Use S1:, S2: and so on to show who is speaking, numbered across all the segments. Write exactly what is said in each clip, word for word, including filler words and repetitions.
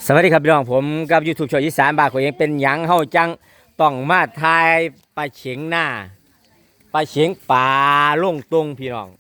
S1: สวัสดีครับพี่น้องผมกับ YouTube ช่องอีสานบ้านของเองเป็นหยังเฮาจังต้องมาทายปลาเฉียงหน้าปลาเฉียงป่าลงตรงพี่น้อง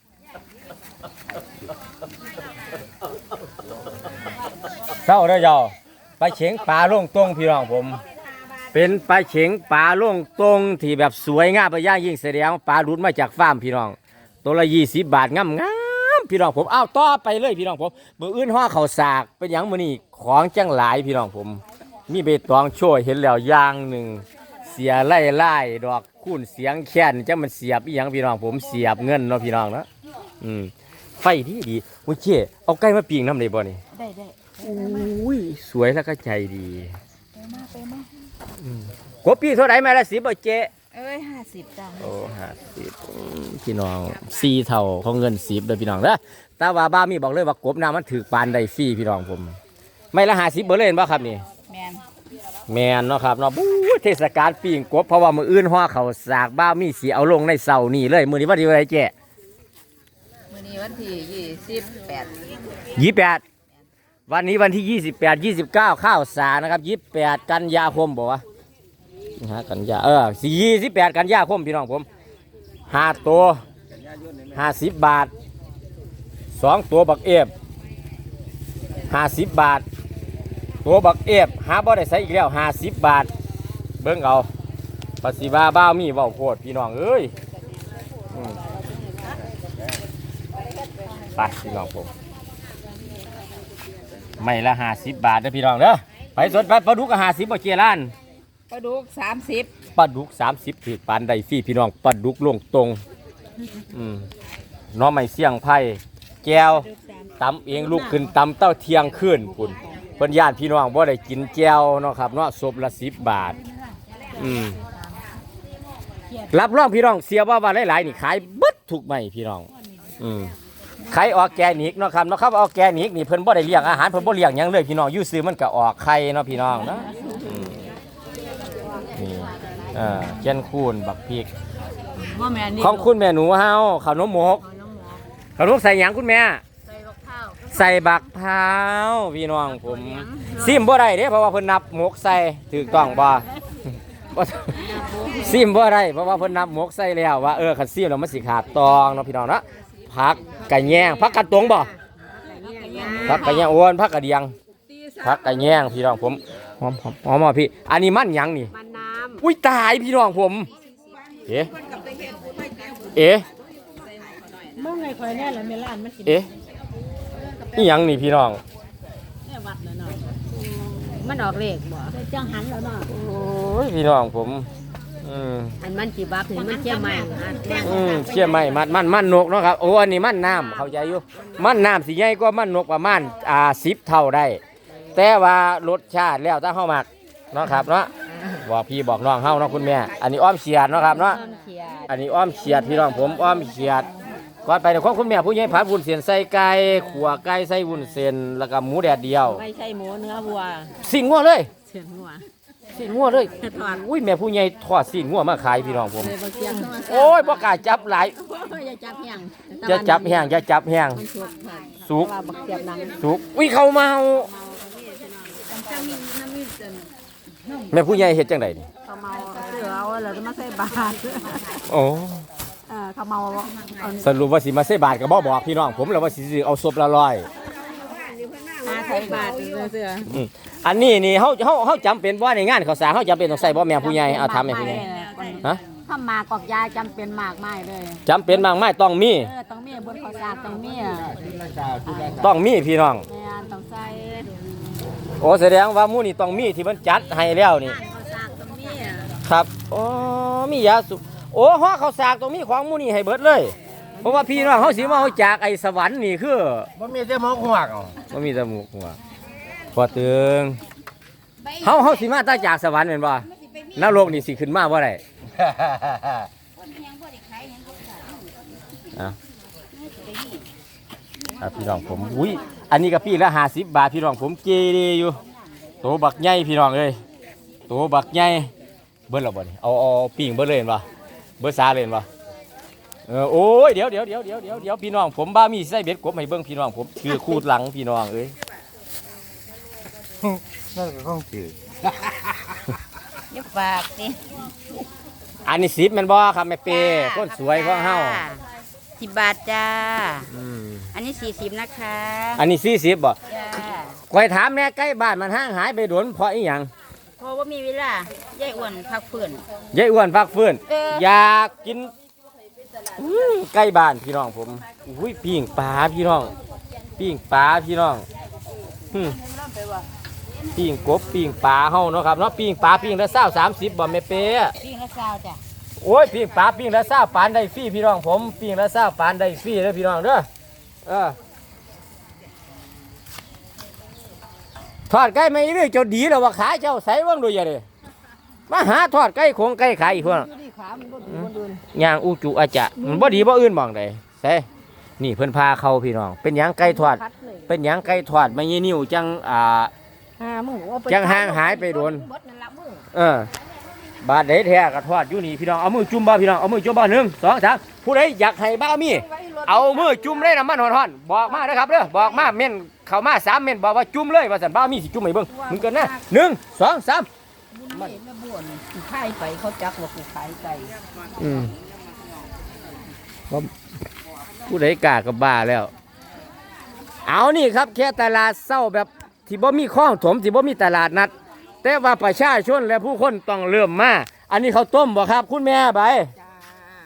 S1: เศร้าเด้อเจ้าปลาเฉียงป่าลงตรงพี่น้องผมเป็นปลาเฉียงป่าลงตรงที่แบบสวยงามไปย่างยิ่งแสดงปลาหลุดมาจากฟาร์มพี่น้องตัวละยี่สิบบาทงามงามพี่น้องผมเอาต่อไปเลยพี่น้องผมมืออื่นห่อเขาสากเป็นหยังมือนี่ของจังหลายพี่น้องผมมีใบตองโชยเห็นแล้วอย่างหนึ่งเสียไล่ไล่ดอกคุ้นเสียงแค้นจะมันเสียบอีหยังพี่น้องผมเสียบเงินเนาะพี่น้องเนาะอืมไฟที่ดีโอเคเอาไก่มาปิ้งน้ำได้บ่นี่
S2: ได้ได้
S1: อุ้ยสวยแล้วก็ใจดี
S2: ไปมาไปมาก
S1: บปีเท่าไหร่แม่ละสิบบ่เจ๊
S2: เอ้ยห้าสิบจ้ะ
S1: โอ้ห้าสิบพี่น้องสี่เท่าของเงินสิบเลยพี่น้องเด้อแต่ว่าบ้ามีบอกเลยว่ากบน้ำมันถือปานได้ฟรีพี่น้องผมไม่ละห้าสิบเบอร์เล่นบ่ครับนี่
S2: แมน
S1: แมนเนาะครับเนาะบู๊เทศกาลปีงกบเพราะว่ามืออื่นห่อเขาสากบ้ามีสีเอาลงในเสานี่เลยมือนี้วันที่อะไรเจ๊
S2: มื้อนี้วันที่ยี่สิบแปด
S1: ยี่แปดวันนี้วันที่ยี่สิบแปดยี่สิบเก้าข้าวสารนะครับยี่แปดกันยาคมบอกว่าฮะกันยาเออสี่สิบแปดกันยาคมพี่น้องผมห้าตัวห้าสิบบาทสองตัวบักเอฟห้าสิบบาทตัวบักเอฟหาบ่ได้ใส่อีกแล้วห้าสิบบาทเบิ้งเอาภาษีบ้าบ้ามีเบาโคตรพี่น้องเอ้ยไปพี่น้องผมไม่ละห้าสิบบาทนะพี่น้องเด้อไปสดไปปลาดุกก็ห้าสิบบ่เจียร้าน
S2: ปลาดุกสามสิบ
S1: ปลาดุกสามสิบถือปานใดฟรีพี่น้องปลาดุกลงตรงอืมน้องไม่เสี่ยงไผ่แก้วตำเองลูกขึ้นตำเต้าเทียงขึ้นคุณเพิ่นญาติพี่น้องบ่ได้กินแก้วเนาะครับเนาะศพละสิบบาทอืมรับรองพี่น้องเสียว่าว่าหลายๆนี่ขายเบิดถูกไหมพี่น้องอืมไข่ออร์แกนิกเนาะครับเนาะครับออร์แกนิกนี่เพิ่นบ่ได้เลี้ยงอาหารเพิ่นบ่เลี้ยงหยังเลยพี่น้องอยู่ซื้อมันก็ออกไข่เนาะพี่น้องเนาะนี่อ่าเจียนคูนบักพริกของคุณแม่หนูเฮาขนมหมกขนมใส่หยังคุณแม่ใส่บักพร้าวพี่น้องผมซิมบ่ได้เด้เพราะว่าเพิ่นนับหมกใส่ถูกต้องบ่ซิมบ่ได้เพราะว่าเพิ่นนับหมกใส่แล้วว่าเออคันซิมแล้วมันสิขาดตองเนาะพี่น้องเนาะผักกะแยงผักกะตงบ่ผักกะแยงอ้วนผักกะเดียงผักกะแยงพี่น้องผมหอมหอมหอมพี่อันนี้มันหยังนี่มันน้ำอุ้ยตายพี่น้องผมเอ๊ะเอ๊ะ
S2: มองไงคอยแน่แล้วเมล่านมันกิน
S1: เอ๊ะนี่หยังนี่พี่น้อง
S2: เนี่ยวัดแล้วเนาะมันออกเลขบ่จังหันแล้วเนาะ
S1: โอ้ยพี่น้องผมอืม
S2: อันมันกี่บักนี่มันเชี่ยใหม่
S1: อืมเชี่ยใหม่มันมันมันนกเนาะครับโอ้อันนี้มันน้ำเข้าใจอยู่มันน้ำสิใหญ่กว่ามันนกประมาณอ่าสิบเท่าได้แต่ว่ารสชาติแล้วถ้าเฮามักเนาะครับเนาะบอกพี่บอกน้องเฮาเนาะคุณแม่อันนี้อ้อมเฉียดเนาะครับเนาะอันนี้อ้อมเฉียดพี่น้องผมอ้อมเฉียดก่อนไปเนี่ยของคุณแม่ผู้ใหญ่ผัดวุ้นเส้นใส่ไก่ขัวไก่ใส่วุ้นเส้นแล้วก็หมูแดดเดียว
S2: ไม่ใช่หมูเนื้อวัว
S1: สิ่งงัวเลย
S2: สิ่งงัว
S1: สิ่งงัวเลยอุ้ยแม่ผู้ใหญ่ทอดสิ่งงัวมาขายพี่น้องผมโอ้ยบ่กล้าจับหลาย
S2: อย่าจับแห้ง
S1: อย่าจับแห้งอย่าจับแห้งสุกสุกอุ้ยเขาเมาแม่ผู้ใหญ่เฮ็ดจังไดนี่
S2: เขาเมาเสือเอาแล้วจะมาใส่บาตร
S1: โอ้
S2: เออเขาเมา
S1: สรุปว่าสิมาใส่บาตรก็บ่บอกพี่น้องผมแล้วว่าสิเอาศพละร้อย
S2: มาใส่บาตรเสือ
S1: อันนี้นี่เฮาเฮาเฮาจำเป็นบ่ในงานข้าวสารเฮาจำเป็นต้องใส่บ่แม่ผู้ใหญ่เอาถามแม่ผู้ใหญ่ฮะ
S2: ถ้ามากอกยาจำเป็นมากไม่เลย
S1: จำเป็นมากไม่ต้องมี
S2: เออต้องมีบนข้าวสารต้องมี
S1: ต้องมีพี่น้อง
S2: แม่ต้องใส่
S1: โอ้แสดงว่าหมู่นี่ต้องมีที่มันจัดให้แล้วนี่ครับอ๋อมียาสูบโอ้ห่อข้าวสากต้องมีของหมู่นี่ให้เบิดเลยเพราะว่าพี่น้องเฮาสิมาเฮาจากไอ้สวรรค์นี่คือ
S3: บ่มีแต่หมกหัวก
S1: บ่มีแต่หมกหัวกพอตึงเฮาเฮาสิมาตาจากสวรรค์แม่นบ่นรกนี่สิขึ้นมาบ่ได้ครับพี่น้องผมอุ้ยอันนี้ก็พี่ละห้าสิบบาทพี่น้องผมเจดีอยู่โตบักใหญ่พี่น้องเอ้ยโตบักใหญ่เบิ้ลหรอบ่นี่เอาเอาปิ้งเบิ้ลเลยเห็นป่ะเบิ้ลซาเลยเห็นป่ะเออโอ้ยเดี๋ยวเดี๋ยวเดี๋ยวเดี๋ยวเดี๋ยวเดี๋ยวพี่น้องผมบ้ามีไส้เบ็ดกบให้เบิ้งพี่น้องผมคือคูดหลังพี่น้องเอ้ย
S3: นั่นก็ของถือ
S2: อย่าฝากสิ
S1: อันนี้สิบแมันบ่ครับแม่เป้คนสวยของเฮา
S2: สิบบาทจ้า
S1: อืม
S2: อันนี้สี่สิบนะคะ
S1: อันนี้สี่สิบบ่
S2: จ้า
S1: คอยถามแน่ใกล้บ้านมันห่างหายไปโดนเพราะอีหยัง
S2: เพราะว่ามีเวลายายอ้วนพักฟื้น
S1: ยายอ้วนฟักฟื้น
S2: เออ
S1: อ
S2: อ
S1: ยากกินอื้อใกล้บ้านพี่น้องผมอุ้ยปิ้งปลาพี่น้องปิ้งปลาพี่น้องอืมปิ้งกบปิ้งปลาเฮาเนาะครับเนาะปิ้งปลาปิ้งละเศร้าสามสิบบ่แม่เป้
S2: พี่ละซาวจ้ะ
S1: โอ้ยปิ้งปลาปิ้งละเศร้าปานได้ฟรีพี่น้องผมปิ้งละเศร้าปานได้ฟรีเด้อพี่น้องเด้อเออทอดไก่ไม่เรื่อยเจ้าดีแล้วว่าขาเจ้าใส่ว่างดูอย่าเด้มาหาทอดไก่คงไก่ขายอีกพวกนั้นย่างอูจุอาจะมันบ่ดีบ่อื่นมองใดใส่นี่เพิ่นพาเข้าพี่น้องเป็นหยังไก่ทอดเป็นหยังไก่ทอดไม่ยี่นิ้วจังอ่า
S2: ห้ามือว่า
S1: จังห่างหายไปโดน
S2: บดนั่นละมือ
S1: เออบาดเดแท้ก็ทอดอยู่นี่พี่น้องเอามือจุ่มบ่พี่น้องเอามือจุ่มบ่หนึ่งสองสามผู้ใดอยากให้บ้ามีเอามือจุ่มเลยน้ำมันร้อนๆบอกมาเด้อครับเด้อบอกมาเม่นเข้ามาสามเม่นบอกว่าจุ่มเลยว่าซั่นบ้ามีสิจุ่มให้เบิ่งมึงกันนะหนึ่งสองสาม
S2: มันแม่บ้วนกูขายไปเขาจักว่ากูขายไก่
S1: อืมบ่ผู้ใดกล้าก็บ้าแล้ว เอานี่ครับแค่ตลาดเศร้าแบบที่บ่มีข้องถมที่บ่มีตลาดนัด แต่ว่าประชาชนและผู้คนต้องเริ่มมาอันนี้เขาวต้มบ่ครับ คุณแม่ใบ
S2: จ้า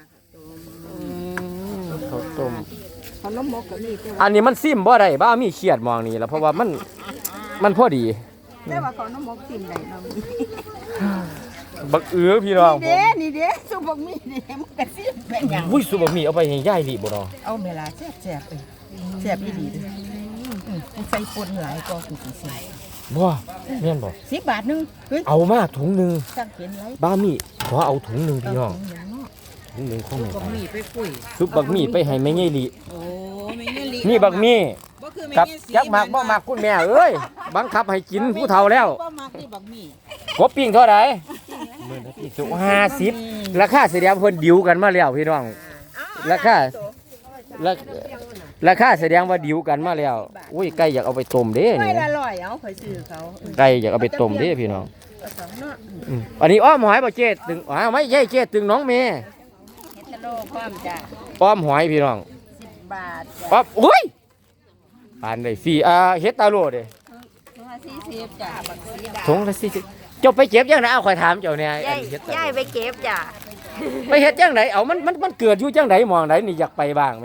S1: ข้าวต้ม
S2: ขนมหมกก็มีแต่ว่า
S1: อันนี้มันซิมบ่ได้บ้ามีเครียดมองนี่แล้วเพราะว่ามันมันพอดี
S2: แต่ว่าขนมหมกกินได้เนาะมี
S1: บักเอือพี่น้องผ
S2: เด้
S1: ม
S2: นี่เด้สุบกมีเด้มันก็สิเป็นหยัง
S1: วุ้ยสุบะหมี่เอาไปให้ย่ายลิบ่เนาะ
S2: เอาเวลาแซ่บๆไปแซ่บอีหลีเด้ออืมมันใส่ป่นหลายก็กูสิซื้อ
S1: บ่แม่นบ่
S2: สิบบาทหนึงเฮ้ย
S1: เอามาถุงหนึง
S2: สั่งเขียนไว้
S1: บ้ามีขอเอาถุงหนึงพี่น้อง
S2: เอาถุงเนาะ
S1: ถุงหนึงของแม่
S2: บักหมี่ไปคุย
S1: ซุปบักหมี่ไปให้แม่ย่ายลิ
S2: โอ้ไม่เงี้ยลิ
S1: นี่บักหมี่
S2: บ่คือไม่
S1: กับ
S2: เงี้ยสี
S1: จักหมักบ่หมักคุณแม่เอ้ยบังคับให้กินผู้เฒ่าแล้ว
S2: บ่มักนี่บักหมี่
S1: กบปิ้งเท่าไหร่มื้อละพี่สุห้าสิบราคาแสดงเพิ่นดิวกันมาแล้วพี่น้องราคาราราคาแสดงว่าดิวกันมาแล้วอุ้ยไก่อยากเอาไปต้มเด้
S2: ไม่
S1: นี่
S2: ละร้อยเอาข่อยซื้อเขา
S1: ไก่อยากเอาไปต้มเด้พี่น้อง
S2: เอาสองเนาะ
S1: อืมอันนี้อ้อมหอยบ่เจ๊ตึงอ้าวไม่ใช่เจ๊ตึงน้องเมย์
S2: เฮ็ดตะโลพร้อมจ้ะ
S1: อ้อมหอยพี่น้อง
S2: สิบบาทจ้ะ
S1: ป๊อบโอ้ยปานได้ฟรีอ่าเฮ็ดตาโลเด้
S2: ถุงละสี่สิบจ้ะบักสีดา
S1: ถุงละสี่สิบเจ้าไปเก็บยังไงเอาข่อยถามเจ้าเนี่ย
S2: ยาย
S1: อันเฮ็ดตาโล
S2: ยายไปเก็บจ้ะ
S1: ไปเฮ็ดจังไดเอามันมันมันเกิดอยู่จังไดมองไดนี่อยากไปบ้างไหม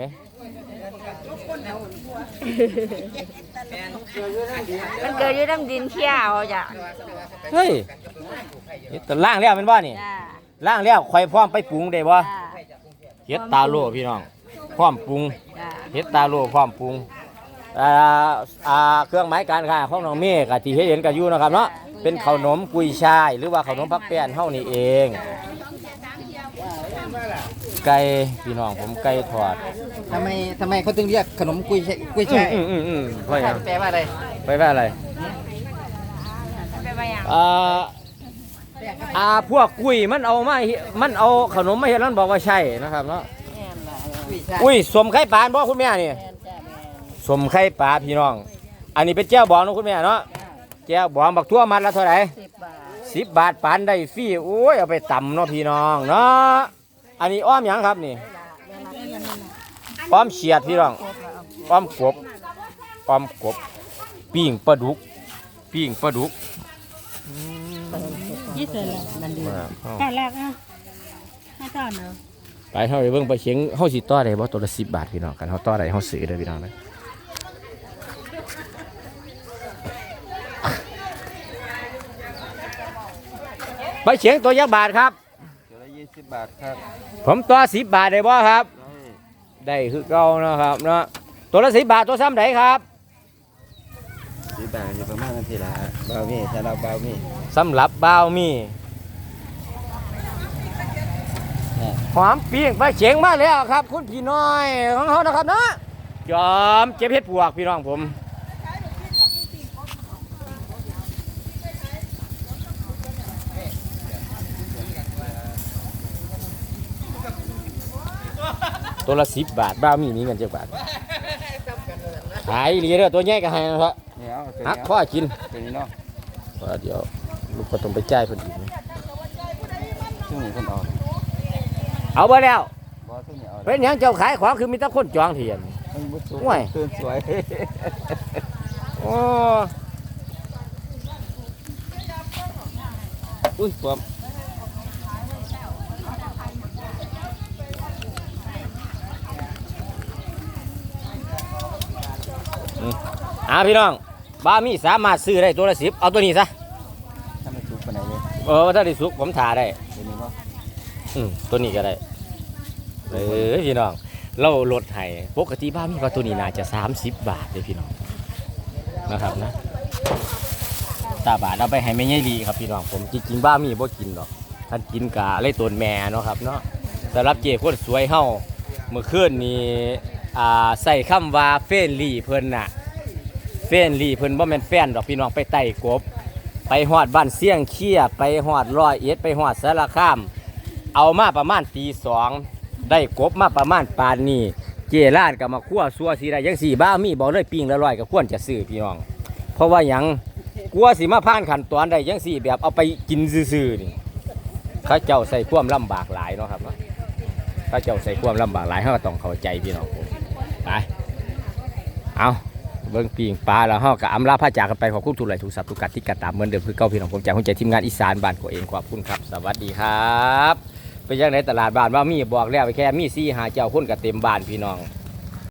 S2: มันเกิดอยู่น้ำดินเขี้ยวจ้ะ
S1: เฮ้ยเฮ็ดตาล่างแล้วแม่นบ่นี่
S2: จ้ะ
S1: ล่างแล้วข่อยพร้อมไปปรุงได้บ่
S2: จ้ะ
S1: เฮ็ดตาโลพี่น้องพร้อมปรุง
S2: จ้ะ
S1: เฮ็ดตาโลพร้อมปรุงอ่าอ่าเครื่องหมายการค้าของน้องเมฆก็ที่เฮ็ดเห็นก็อยู่นะครับเนาะเป็นขนมกุยช่ายหรือว่าขนมพักแป้นเฮานี่เองไก่พี่น้องผมไก่ทอด
S3: ทำไมทำไมเขาถึงเรียกขนมกุยช่ายกุยช่าย
S1: อืมอืมอืมเพราะหยัง
S3: แปลว่าอะไร
S1: ไปว่าอะไร
S2: ไปไปยัง
S1: อ่าอ่าพวกกุ้ยมันเอามาเฮ็ดมันเอาขนมมาเฮ็ดแล้วมันบอกว่าใช่นะครับเนาะ
S2: แม่นล่ะ
S3: กุยช่าย
S1: อุ้ยสมไข่ปลาบ่คุณแม่นี่
S2: แม่นจ้ะแม่น
S1: สมไข่ปลาพี่น้อง อันนี้เป็นแจ้วบองนะคุณแม่เนาะแจ้วบองบักทั่วมัดละเท่าไหร่
S2: สิบบาท
S1: สิบบาทปานได้ฟรีโอ้ยเอาไปตำเนาะพี่น้องเนาะอันนี้อ้อมหยังครับนี่อ้อมเฉียดพี่น้องอ้อมกบอ้อมกบปิ้งปลาดุกปิ้งปลาดุก
S2: ยี่สิบละนั่นดี
S1: มาเอา
S2: แค่แรกอ่ะให้ตอนเนาะ
S1: ไปเฮาไปเบิ่งไปเชียงเฮาสิต่อได้บ่ตัวละสิบบาทพี่น้องกันเฮาต่อได้เฮาซื้อเด้อพี่น้องนะไปเชียงตัวยักษ์บาทครับ
S3: ตัวละยี่สิบบาทครับ
S1: ผมตัวสิบบาทได้บ่ครับ ได้คือเก่านะครับเนาะตัวละสิบบาทตัวซ้ำไหนครับ
S3: สิบบาทอยู่ประมาณนาทีละเบามี่ถ้าเราเบามี่
S1: สำหรับบ่าวมีหอมปิ้งไปเฉียงมาแล้วครับ คุณพี่น้อยของเขานะครับเนาะจอมเก็บเห็ดปวกพี่น้องผมตัวละสิบบาทบ้าวมีนี่เงินเจ็ดบาทขายเหรียญตัวใหญ่ก็ให้นะครับ
S3: เนี่ยเอาตัว
S1: หัก
S3: นี้
S1: ข้อกิน
S3: ตัวนี้เนาะ
S1: ว่าเดี๋ยวลูกก็ต้องไปจ่ายเพิ่นอีกนะ
S3: ช่วงนี้คนออก
S1: เอาไปแล้ว
S3: บอสช่วงนี้ออก
S1: เป็นหยังเจ้าขายของคือมีแต่คนจองเทียน
S3: มันบุษ
S1: ห่วย
S3: ตื่นสวย
S1: โอ้
S3: อุ้ยความ
S1: อ่าพี่น้องบ้ามีสามารถซื้อได้ตัวละสิบเอาตัวนี้ซะ
S3: ถ้ามันสุกไปไหนเลย
S1: เออถ้าได้สุกผมถ่าได้
S3: เดี๋ยวนี้ว่า
S1: อืมตัวนี้ก็ได้เออพี่น้องเราลดให้ปกติบ้ามีว่าตัวนี้น่าจะสามสิบบาทเลยพี่น้องนะครับนะตาบาทเอาไปให้แม่ใหญ่ลีครับพี่น้องผมจริงๆบ้ามีบ่กินหรอกท่านกินกะเลยตัวแม่เนาะครับเนาะสำหรับเจ้คนสวยเฮาเมื่อคืนนี้อ่าใส่คำว่าเฟรนลี่เพิ่นน่ะเฟรนลี่เพิ่นบ่แม่นแฟนดอกพี่น้องไปไต่กบไปฮอดบ้านเสี่ยงเคียไปฮอดร้อยเอ็ดไปฮอดสารคาม เอามาประมาณตีสองได้กบมาประมาณปานนี้เจร้านกับมาคั่วซัวสีได้ยังสี่บ้ามีบอกเลยปิ้งละร้อยกับควรจะซื้อพี่น้อง เพราะว่าหยังกลัวสิมาผ่านขั้นตอนได้ยังสี่แบบเอาไปกินซื่อๆนี่เข้าเจ้าใส่ความลำบากหลายเนาะครับเข้าเจ้าใส่ความลำบากหลายเขาก็ต้องเข้าใจพี่น้องผมไปเอาเบิ้งปิ้งปลาแล้วเขากับอำลาพระจากกันไปขอบคุณทุกหลายทุกสับทุกกัดที่กัดตามเหมือนเดิมคือเก้าพี่น้องผมจากหัวใจทีมงานอีสานบ้านตัวเองขอบคุณครับสวัสดีครับ ไปยังในตลาดบ้านว่ามีบอกแล้วไปแค่มีซี่หาเจ้าคนกับเต็มบ้านพี่น้อง